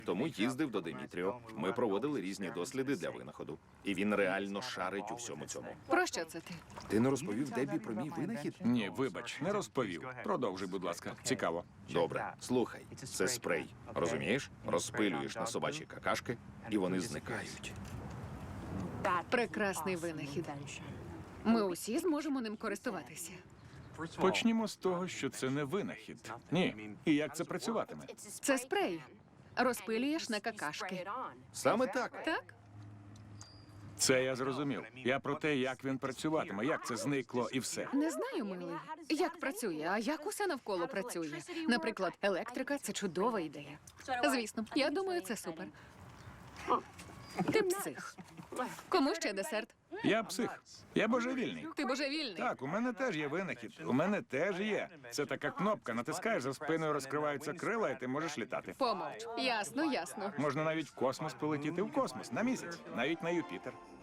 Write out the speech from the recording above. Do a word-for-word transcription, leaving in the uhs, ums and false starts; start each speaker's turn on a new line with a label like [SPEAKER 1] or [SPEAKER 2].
[SPEAKER 1] Тому їздив до Димітріо. Ми проводили різні досліди для винаходу. І він реально шарить у всьому цьому.
[SPEAKER 2] Про що це ти?
[SPEAKER 1] Ти не розповів Дебі про мій винахід?
[SPEAKER 3] Ні, вибач, не розповів. Продовжуй, будь ласка. Цікаво.
[SPEAKER 1] Добре, слухай, це спрей. Розумієш? Розпилюєш на собачі какашки, і вони зникають.
[SPEAKER 2] Прекрасний винахід. Ми усі зможемо ним користуватися.
[SPEAKER 3] Почнімо з того, що це не винахід. Ні. І як це працюватиме?
[SPEAKER 2] Це спрей. Розпилюєш на какашки.
[SPEAKER 1] Саме так.
[SPEAKER 2] Так?
[SPEAKER 3] Це я зрозумів. Я про те, як він працюватиме, як це зникло і все.
[SPEAKER 2] Не знаю, милий, як працює, а як усе навколо працює. Наприклад, електрика – це чудова ідея. Звісно, я думаю, це супер. Ти псих. Кому ще десерт?
[SPEAKER 3] Я псих. Я божевільний.
[SPEAKER 2] Ти божевільний.
[SPEAKER 3] Так, у мене теж є винахід. У мене теж є. Це така кнопка, натискаєш, за спиною розкриваються крила, і ти можеш літати.
[SPEAKER 2] Помовч. Ясно, ясно.
[SPEAKER 3] Можна навіть в космос полетіти, в космос, на місяць, навіть на Юпітер.